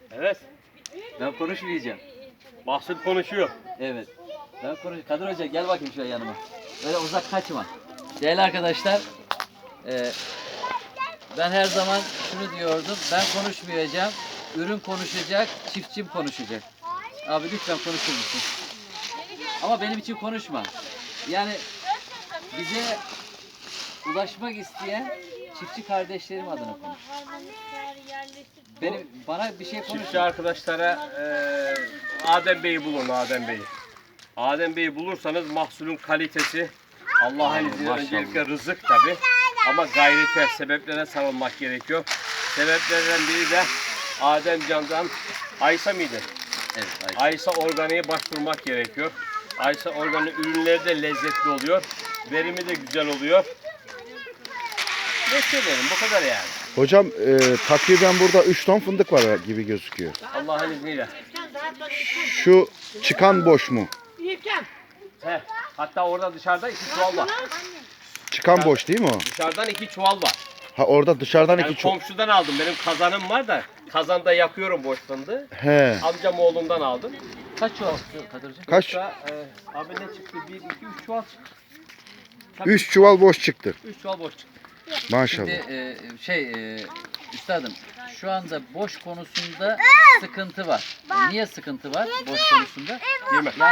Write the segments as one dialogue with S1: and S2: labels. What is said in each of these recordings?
S1: Evet.
S2: Ben konuşmayacağım.
S1: Mahsul konuşuyor.
S2: Evet. Ben Kadir Hoca gel bakayım şöyle yanıma. Böyle uzak kaçma. Değerli arkadaşlar, ben her zaman şunu diyordum. Ben konuşmayacağım. Ürün konuşacak, çiftçim konuşacak. Abi lütfen konuşur musun? Ama benim için konuşma. Yani bize ulaşmak isteyen çiftçi kardeşlerim adına konuş. Bana bir şey konuş.
S1: Çiftçi arkadaşlara Adem Bey'i bulun, Adem Bey'i. Adem Bey'i bulursanız mahsulün kalitesi Allah'ın izniyle öncelikle rızık tabi. Ama gayrete, sebeplere sarılmak gerekiyor. Sebeplerden biri de Adem Can'dan Aysa mıydı?
S2: Evet,
S1: Aysa organiğe başvurmak gerekiyor. Aysa organik ürünleri de lezzetli oluyor. Verimi de güzel oluyor. Ne söyleyelim, bu kadar yani.
S3: Hocam takriben burada 3 ton fındık var gibi gözüküyor.
S1: Allah'ın izniyle.
S3: Şu çıkan boş mu?
S1: He, hatta orada dışarıda 2 çuval var.
S3: Çıkan boş değil mi o?
S1: Dışarıdan 2 çuval var.
S3: Ha orada dışarıdan
S1: Yani
S3: 2 çuval.
S1: komşudan aldım. Benim kazanım var da kazanda yakıyorum boş fındığı.
S3: He.
S1: Amcam oğlundan aldım.
S2: Kaç çuval çıktı Kadir Hoca?
S3: Kaç?
S1: Abi ne çıktı? 1, 2, 3 çuval çıktı.
S3: 3 çuval boş çıktı.
S1: 3 çuval boş çıktı.
S3: Maşallah.
S2: Şimdi üstadım şu anda boş konusunda sıkıntı var. Niye sıkıntı var boş konusunda?
S1: Değil mi?
S2: Yani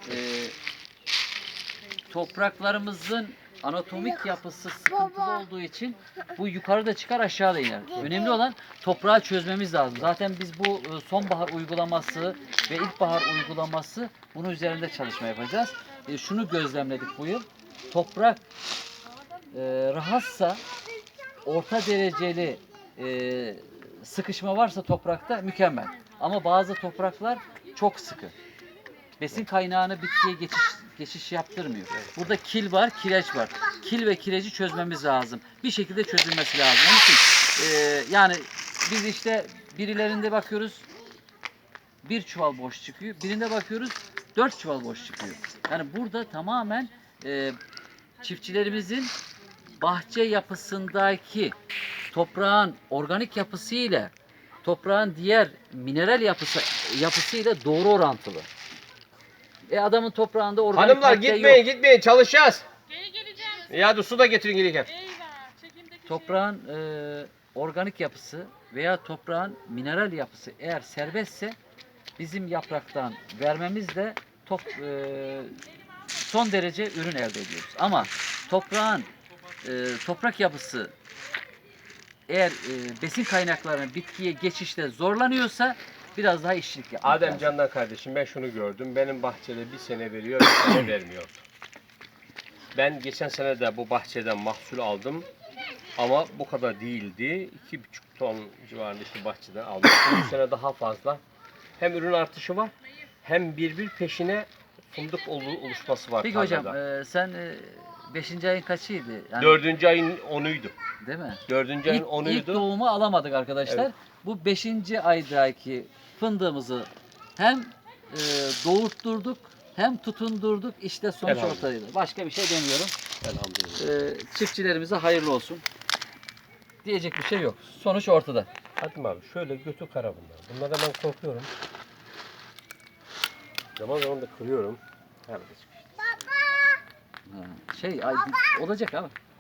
S2: topraklarımızın anatomik yapısı sıkıntılı olduğu için bu yukarıda çıkar aşağıda iner. Önemli olan toprağı çözmemiz lazım. Zaten biz bu sonbahar uygulaması ve ilkbahar uygulaması bunun üzerinde çalışma yapacağız. Şunu gözlemledik bu yıl. Toprak rahatsa orta dereceli sıkışma varsa toprakta mükemmel. Ama bazı topraklar çok sıkı. Besin kaynağını bitkiye geçiş yaptırmıyor. Burada kil var, kireç var. Kil ve kireci çözmemiz lazım. Bir şekilde çözülmesi lazım. Onun için yani biz işte birilerinde bakıyoruz 1 çuval boş çıkıyor. Birinde bakıyoruz 4 çuval boş çıkıyor. Yani burada tamamen çiftçilerimizin bahçe yapısındaki toprağın organik yapısı ile toprağın diğer mineral yapısıyla doğru orantılı. Adamın toprağında organik
S1: Hanımlar
S2: madde
S1: gitmeyin,
S2: yok.
S1: gitmeyin. Çalışacağız.
S4: Geri geleceğim.
S1: Ya hadi su da getirin gelirken.
S4: Eyvah. Çekimdeki
S2: Toprağın organik yapısı veya toprağın mineral yapısı eğer serbestse bizim yapraktan vermemiz de son derece ürün elde ediyoruz. Ama toprağın toprak yapısı eğer besin kaynaklarının bitkiye geçişte zorlanıyorsa biraz daha işçilik yapmak
S1: Adem
S2: lazım.
S1: Candan kardeşim ben şunu gördüm. Benim bahçede bir sene veriyor, bir sene vermiyordu. Ben geçen sene de bu bahçeden mahsul aldım. Ama bu kadar değildi. 2,5 ton civarında işte bahçeden aldım. Bu sene daha fazla. Hem ürün artışı var hem bir peşine fındık oluşması var.
S2: Peki
S1: tarlada.
S2: hocam sen 5. ayın kaçıydı? Yani,
S1: 4. ayın 10'uydu.
S2: değil mi?
S1: 4. ayın
S2: İlk
S1: 10'uydu.
S2: doğumu alamadık arkadaşlar.
S1: Evet.
S2: Bu 5. aydaki fındığımızı hem doğurtturduk hem tutundurduk. İşte sonuç
S1: Elhamdülillah.
S2: ortadaydı. Başka bir şey demiyorum.
S1: Elhamdülillah.
S2: Çiftçilerimize hayırlı olsun. Diyecek bir şey yok. Sonuç ortada.
S1: Hadi abi şöyle götü kara bunlar. Bunlara ben korkuyorum. Zaman zaman da kırıyorum. Herhalde çıkıyor.
S2: Olacak abi.